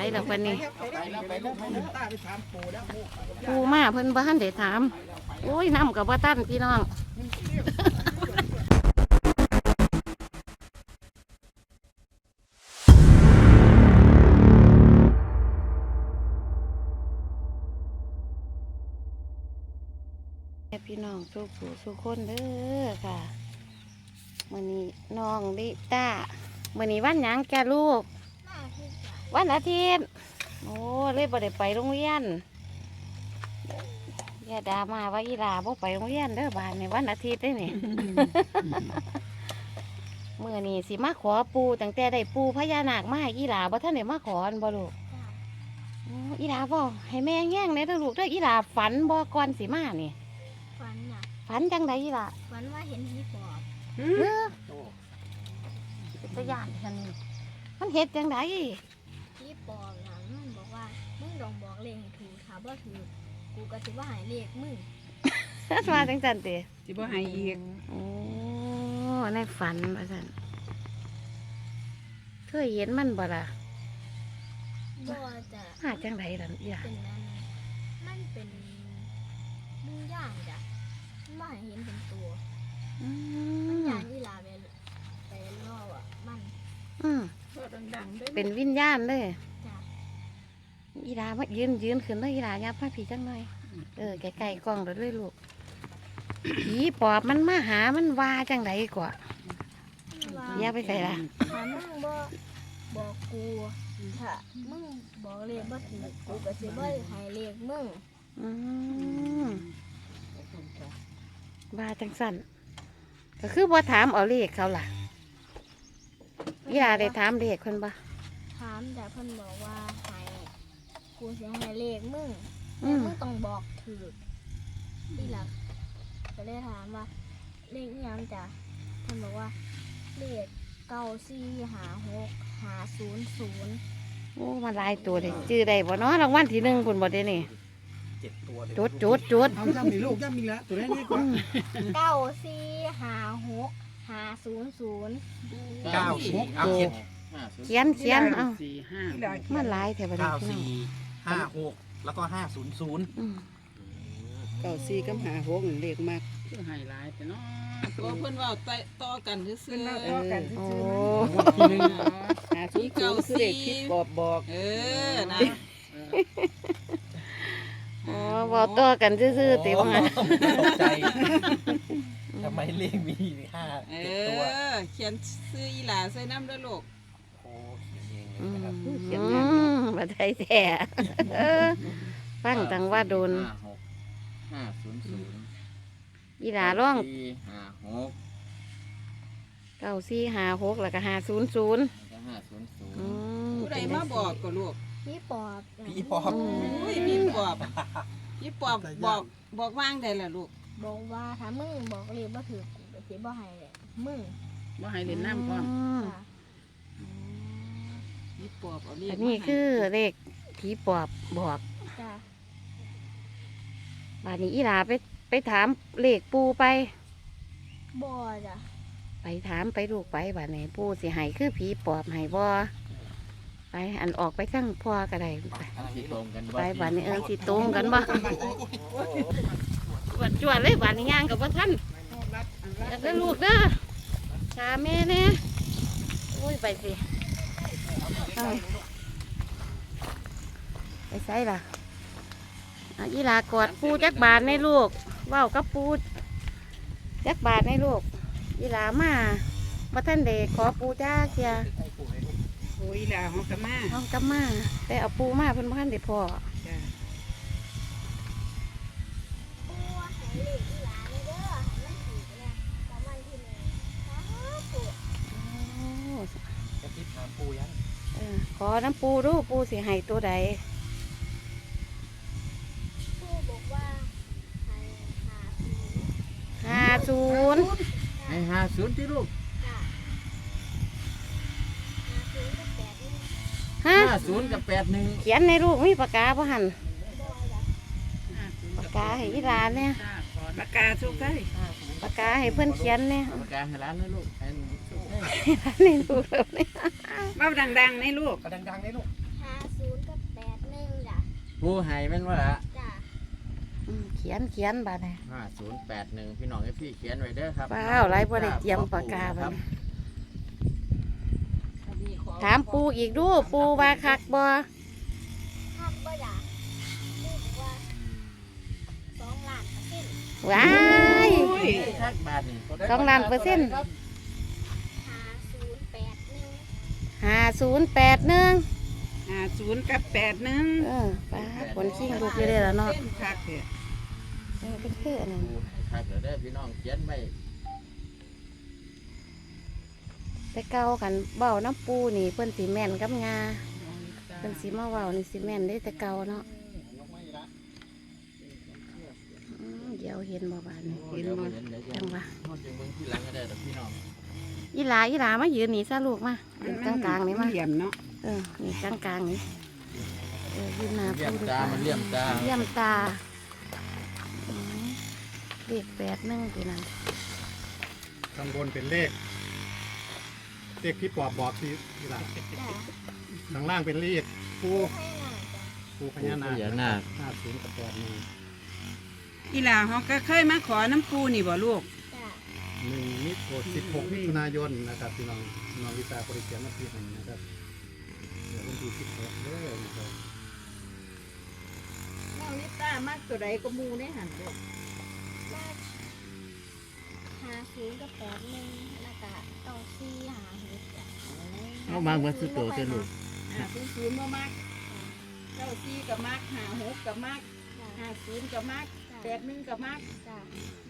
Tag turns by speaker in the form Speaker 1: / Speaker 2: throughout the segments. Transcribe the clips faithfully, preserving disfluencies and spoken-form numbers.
Speaker 1: แล้วปานนี้
Speaker 2: ไปแล้วไปแล้วไปแล้วตาไปถามปู่แล้ว
Speaker 1: ปูมาเพิ่นบ้านได้ถามโอ้ยน้ำกับว่าตั้นพี่น้องพี่น้องสู้ผู้สู้คนเด้อค่ะมื้อนี้น้องลิต้ามื้อนี้วันหยังแกลูกวันอาทิตย์โอ้เลยบ่ได้ไปโรงเรียนอย่าด่ามาว่าอีหลาบ่ไปโรงเรียนเด้อบ้านในวันอาทิตย์ได้นี่ มื้อนี้สิมาขอปูตั้งแต่ได้ปูพญานาคมาให้อีหลาบ่ทันได้มาขออันบ่ลูกโอ้อีหลาบ่ให้แม่แง่งเลยเด้อลูกเด้ออีหลาฝันบ่ก่อนสิมานี่
Speaker 3: ฝันน่ะ
Speaker 1: ฝันจังไดอีหลา
Speaker 3: ฝันว่าเห็นผีปอบ
Speaker 1: เออเป็นตะยานฉันนี่มันเฮ็ดจังได
Speaker 3: ผีปอบน่ะมันบอกว่ามึงต้องบอกเลขให้ถูกถ้าบ่ถูกกูก็สิว่าให้เลขมึง
Speaker 1: มาจังซั่นติ
Speaker 4: สิบ่ให้อีก
Speaker 1: โอ้ในฝันว่าซั่นเคยเห็นมันบ่ล่ะ
Speaker 3: บ่จะ
Speaker 1: มาจังไดล่ะอีหลา
Speaker 3: เป็นนั้นมันเป็นมึงย่างจ้ะมันบ่ให้เห็นเป็นตัว
Speaker 1: อื
Speaker 3: มัน
Speaker 1: ม
Speaker 3: ย่างอีหลาไปไปล่ออ่ะมัน
Speaker 1: อืม
Speaker 4: ดังๆด้วย
Speaker 1: เป็นวิญญาณเลย
Speaker 3: จ้ะ
Speaker 1: อีหลามายืนยืนขึ้นเลยอีหลายับมาผีจังหน่อยเออไกลๆกล้องเด้อเลยลูกผีปอบมันมาหามันว่าจังไดกว่า
Speaker 3: มันว่า
Speaker 1: อย่าไปใส่ละ
Speaker 3: ถ้ามึงบ่บอกกูถ้ามึงบอกเลขบ่ถูกกูก็สิบ่ให้เลขมึง
Speaker 1: อืมว่าจังสั่นก็คือบ่ถามเอาเลขเขาล่ะอีหลาได้ถามเลขคนบ่
Speaker 3: ถามแต่เพิ่นบอกว่าให้กูสิให้เลขมึง
Speaker 1: อื
Speaker 3: แต่
Speaker 1: ม
Speaker 3: มึงต้องบอกถูกอีหลักก็เลยถามว่าเลขอิหยังจ้ะเพิ่นบอกว่าเลขเก้าสี่หาหกหาศูนย์ศูนย์
Speaker 1: โอ้มาหลายตัวเลยจื้อได้บ่เนาะรางวัลที่หนึ่งคุณบ่ได้นี่
Speaker 2: เจ็ดตัวเลย
Speaker 1: จุดจุดจุด
Speaker 2: เอาย่ำมีลูกย่ำมีละตัวนี้นี่ก่อน
Speaker 3: เก้าสี่หาหกหาศูนย์ศูนย์
Speaker 2: เก้าหกเอาเจ็ด
Speaker 1: เขียนเขียนเอา
Speaker 4: สี่ห้า
Speaker 1: มาหลายแถวบ้าน
Speaker 2: เก้า
Speaker 1: พี่น้อง
Speaker 2: สี่ห้าหกแล้วก็ห้าศูนย์ศูนย์
Speaker 1: อืม
Speaker 4: เก้าสี่กับหาหกนั่นเลขมากคือไฮไลท์แต่เนาะ
Speaker 5: ก็เพิ่นเว่าต่อกันซื่อๆ
Speaker 4: ต่อกัน
Speaker 1: โอ้
Speaker 2: ทีหนึ่ง
Speaker 4: หาศูนย์ศูนย์คือเลขที่บอบบอก
Speaker 5: เออนะ
Speaker 1: โอ้บ่ต่อกันซื่อๆติว่างั้น
Speaker 2: ตกใจทำไมเลขมีห้า
Speaker 5: เอ
Speaker 2: เจ็ดตัว
Speaker 5: อ เขียนซื้ออีหลาใส่น้ำด้วยลูก
Speaker 2: โอ้เขียนเอง
Speaker 1: อื
Speaker 2: เลย
Speaker 1: ม
Speaker 2: นะครับ
Speaker 1: อืมบ่ได้แท้เออฟังตังว่าโดน
Speaker 6: ห้าหกห้าศูนย์ศูนย์
Speaker 1: อีหลาร้อง
Speaker 6: สี่ห้าหก
Speaker 1: เก้าสี่ห้าหกแล้วก็ห้าศูนย์ศูนย์
Speaker 6: แล้วก็ห้าศูนย์ศูนย์
Speaker 1: อืม
Speaker 5: ผู้ใดมาบอกก็ลูก
Speaker 3: พี่ปอบจ้ะ
Speaker 2: พี่ปอบ
Speaker 5: อุ้ยพี่ปอบพี่ปอบบอกบอกว่างได้ล่ะลูก
Speaker 3: บอกว่าถ้ามึงบอกเลขบ่ถูกกูก็สิบ่ให้เลยมึง
Speaker 4: บ่ให้เล่นน้ำพร้อม
Speaker 1: ม
Speaker 3: จ้ะ
Speaker 5: พี่ปอบเอาเรีย
Speaker 1: อั
Speaker 5: ก
Speaker 1: นนี้คือเลขผีปอบบอก
Speaker 3: จ้ะ
Speaker 1: บาดนี้อีหลาไปไปถามเลขปูไป
Speaker 3: บ่จ้ะ
Speaker 1: ไปถามไปลูกไปบาดนี้ปูสิให้คือผีปอบให้บ่ไปอันออกไปข้างพ่อก็ได้ไป
Speaker 6: ที่ตรงกัน
Speaker 1: ไปบาดนี้เออสิตรงกันบ่บัดจวดเลยบาดนี้ย่างกับว่าท่านอยากได้ลูกเด้อชาแม่แน่โอ้ยไปสิเอาไปใส่ล่ะอ่ะอีหลากอดปูจักบาทในลูกเว้ากับปูจักบาทในลูกอีหลามาบ่ท่านเด็กขอปูจ้าเคีย
Speaker 4: โอ้ยลาของกะมา
Speaker 1: ห้องกลับมาแต่เอาปูมาเพิ่นบ่ทันได้พอ
Speaker 4: จ้ะ
Speaker 3: ปูให้เลขอีหลาเลยเด้อให้มันถูกเนี่ยรางวัลที่หนึ่งสาธุ
Speaker 1: โอ้
Speaker 2: จะคิดถามปู่ยัง
Speaker 1: เออขอน้ำปูดูปูสิให้ตัวใด
Speaker 3: ปูบอกว่าให้หาศูนย์
Speaker 1: ห้าศูนย์
Speaker 6: ให้ห้าศูนย์ที่ลูก
Speaker 3: จ้ะหาศูนย์กับแปดนี่
Speaker 1: ฮะ
Speaker 6: ห้าศูนย์กับแปดหนึ่ง
Speaker 1: เขียนในลูกมีปากกาบ่หัน
Speaker 3: บ่จ้ะ
Speaker 1: ปากกาให้อีหลานเนี่ย
Speaker 4: ปากกาสุกได้
Speaker 1: ปากกาให้เพื่อนเขียนเนี่ย
Speaker 6: ปากกาให้ร้านนะลูกให้ให้
Speaker 1: ในลูกแล้วเนี่ย
Speaker 4: เว้าดังๆในลูก
Speaker 2: ก็ดังๆเลยลูก
Speaker 3: หาศูนย์
Speaker 6: ปูไห้แม่นว่าละ
Speaker 3: จ้ะ
Speaker 1: อืมเขียนเขียนบาดนี้
Speaker 6: ห้าศูนย์แปดหนึ่งพี่น้องเอฟซีเขียนไว้เด้อครับ
Speaker 1: เปล่าไรบ่ได้เตรียมปากกา
Speaker 6: ค
Speaker 1: บั
Speaker 6: รั
Speaker 1: ด
Speaker 6: บ
Speaker 1: นี้ถามปูอีกดูปูว่าคักบ่
Speaker 3: ห้ามบ่อยากพูดว่าสองล้านเปอร์เซ็นต์
Speaker 1: ว้าย
Speaker 6: ทักบาทนี่
Speaker 1: สองล้านเปอร์เซ็นต์
Speaker 3: ห้าศูนย์แปดหนึ่ง
Speaker 1: ห้าศูนย์แปดหนึ่ง
Speaker 4: ห้าศูนย์กับแปดหนึ่ง
Speaker 1: เออป้าผลขิงลูกอยู่เลยแล้วเนาะ
Speaker 4: คักเด้อ
Speaker 1: เออเป็นคืออันนั้น
Speaker 6: ปูให้ทักเดี๋ยวเด้อพี่น้องเขียนไว้
Speaker 1: แต่เก่ากันเบ้าน้ำปูนี่เพิ่นสีแม่นกับงาเพิ่นสีมาเว้านี่สีแม่นได้แต่เก่าเนาะอืมเดี๋ยวเห็นบ่บานนี่
Speaker 6: เห็นบ่เห็นเดี๋ยวจะ
Speaker 1: จังว่า
Speaker 6: ฮอดจังเบิ่งที่หลังก็ได้ดอกพี่น้อง
Speaker 1: อีหลาอีหลามายืนนี่ซะลูกมายืนกลางกลางๆนี่มา
Speaker 4: เหลี่ยมเนาะ
Speaker 1: เออนี่กลางกลางๆนี่เออยืนหน้า
Speaker 6: เลี่ย
Speaker 1: ปู
Speaker 6: ม
Speaker 1: ดีก
Speaker 6: ตา
Speaker 1: ว่า
Speaker 6: มันเลี่ยมตา
Speaker 1: เลี่ยมตาอืมเลขแปดหนึ่งตัวนั้น
Speaker 7: ข้างบนเป็นเลข เลขที่ปอบบอกที่ที่หลัง
Speaker 3: จ้ะ
Speaker 7: ข้างล่างเป็นเลขปู
Speaker 3: ให้หน่อยจ้ะ
Speaker 7: ปูพ
Speaker 6: ปู
Speaker 7: ญานา
Speaker 6: พญานาค
Speaker 7: ห้าศูนย์กับแปดหนึ่ง
Speaker 4: อีหลาเฮาก็เคยมาขอน้ำปูนี่บ่ลูก
Speaker 3: จ้ะ
Speaker 7: หนึ่งมิถุนสิบหกมิถุนายนนะครับพี่น้องน้องวิตาบริเกียนมาปีหนึ่งนะครับเดี๋ยววันที่สิบหกเด้อนะครับ
Speaker 5: น้องนิต้ามากตัวใดก็มูได้หันลูก
Speaker 3: มาห้าศูนย์กับแปดหนึ่งแล้วก็เก้าสี่ห้าหกจ้ะ
Speaker 6: เอามาเบิ่งสุดโตเด้อลูก
Speaker 5: ห้าศูนย์ศูนย์บ่มักเก้าสี่กับมักห้าหกกับมัก
Speaker 3: จ้ะ
Speaker 5: ห้าศูนย์กับมัก
Speaker 3: จ้ะ
Speaker 5: แปดหนึ่งกับมัก
Speaker 3: จ้ะ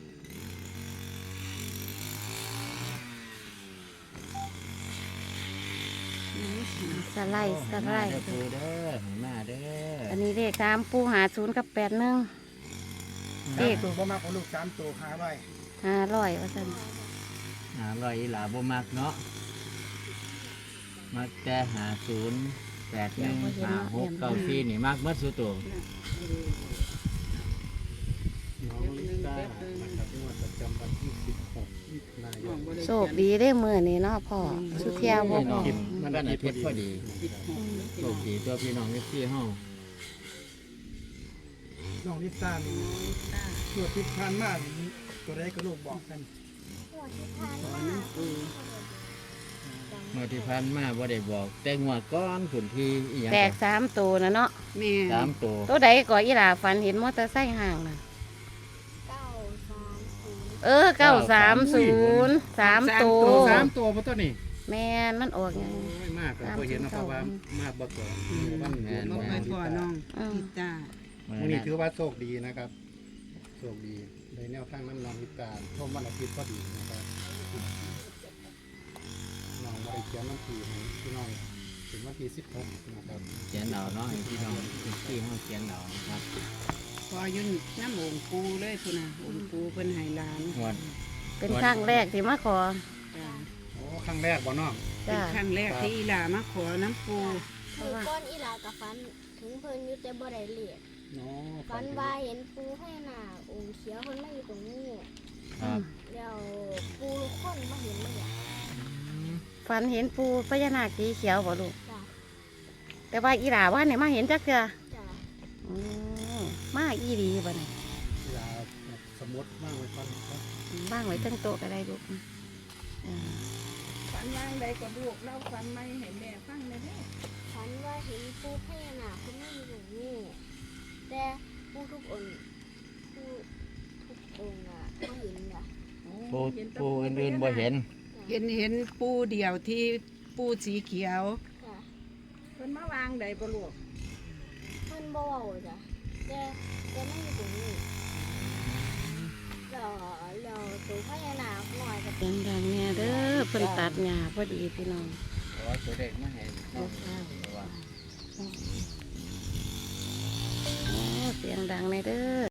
Speaker 1: สไลด์สไลด์
Speaker 6: เด้อปูเด้อให้มาเด้อ
Speaker 1: อันนี้เลขสามปูหาศูนย์กับแปดหนึ่ง เลข
Speaker 7: ตัวพ่อมากของลูกสามตัวหาไว้
Speaker 1: ห้าร้อยว่าซั่น
Speaker 6: หาร้อยอีหลาบ่มักเนาะมักแต่หาศูนย์แปดหนึ่งห้าหกเก้าสี่นี่มักเมื่อสุดโต
Speaker 7: น้องลิต้านะครับงวดประจำวันที่สิบหกมิถุนายน
Speaker 1: โชคดีได้มือนี่เนาะพ่อสุเทียวบ่
Speaker 6: พี่น้
Speaker 1: พ่
Speaker 6: อ
Speaker 1: อง
Speaker 6: มันอาทิตย์พอดีโชคดีตัวพี่น้องเอฟซีเฮา
Speaker 7: น้องลิต้านี่ตัวที่ผ่านมานี่ตัวใดก็ลูกบอกกัน
Speaker 3: หัวที่ทานมา
Speaker 6: เมื่อที่ผ่านมาบ่ได้บอก แต่งวดก้อนขุนที่อีหยัง
Speaker 1: แตกสามตัวนะเนาะ
Speaker 4: แม่
Speaker 6: สามตัว
Speaker 1: ตัวใดก่ออีหลาฝันเห็นมอเตอร์ไซค์ห่างน่ะ
Speaker 3: เก้าสามศูนย์
Speaker 1: เออเก้าสามศูนย์สามตัว
Speaker 7: สามตัวพ่อตัวนี่
Speaker 1: แม่นมันออกยัง
Speaker 7: ไม่มากก็พอเห็นนะครับว่ามากบ่เกินวัน
Speaker 6: แม่น
Speaker 4: บ่เคยขอน้อง
Speaker 1: อืม
Speaker 4: อีตา
Speaker 6: มื้อ
Speaker 7: วัน
Speaker 6: นี้
Speaker 7: นี้ถือว่าโชคดีนะครับโชคดีในแนวทางน้ำนองวิตาท่มวันอาทิตย์พอดีนะครับน้องบริเขียนวันที่ให้พี่น้องถึงวันที่สิบหกนะครับ
Speaker 6: เขียนเอาเนาะให้พี่น้องเอฟซีเฮาเขียนเอาครับ
Speaker 4: พอยุ่นน้ำองค์ปูเลยพุ่นน่ะองค์ปูเพิ่นให้หลาน
Speaker 6: งวด
Speaker 1: เป็นครั้งแรกที่มาขอ
Speaker 4: จ้ะ
Speaker 7: โอ้ครั้งแรกบ่น้อง
Speaker 4: เป็น
Speaker 1: จ้า
Speaker 4: ครั้งแรกที่อีหลามาขอน้ำปู
Speaker 3: คือก้อนอีหลากับฟันถึงเพิ่นอยู่แต่บ่ได้เลียด
Speaker 7: เนาะ
Speaker 3: ฟันว่าเห็นปูให้หน้าองค์เขียวเพิ่นมาอยู่ตรงนี้
Speaker 6: ครับ
Speaker 3: แล้วปูลูกคนมาเห็นเลยอ่ะ
Speaker 1: ฝันเห็นปูพญานาคสีเขียวบ่ลูก
Speaker 3: จ้ะ
Speaker 1: แต่ว่าอีหลาว่าเนี่ยมาเห็นจักเทื่อ
Speaker 3: จ้ะ
Speaker 1: อืมมาอีดีบ่เนี่ย
Speaker 7: เวลาสมมติว่างไว้ก่อนครับ
Speaker 1: บ้างไว้ตั้งโต๊ะก็ได้ลูกอืม
Speaker 5: ฝันว่างใดก็ลูกเล่าฝันไม่ให้แม่ฟังเลยเด้อ
Speaker 3: ฟันว่าเห็นปูพญานาคเพิ่นมาอยู่ตรงนี้แต่ปูทุกองค์ปูทุกองค์อ่ะบ่เห็นอ่ะ
Speaker 6: ปูปูอื่นๆบ่เห็น
Speaker 4: เห็นเห็นปูเดียวที่ปูสีเขียว
Speaker 3: จ้ะ
Speaker 5: เพิ่นมาวางใดบ่ลูก
Speaker 3: เพิ่นบ่เว้าจ้ะแต่แต่มันอยู่ตรงนี้แล้วแล้วตัวพญานาคน้อยก็
Speaker 1: เสียงดังเนี่ยเด้อเพิ่นตัดหญ้าพอดีพี่น้อง
Speaker 6: ขอตัวเด็กมาให้น้องเพราะว่า
Speaker 1: โอ้เสียงดังเลยเด้อ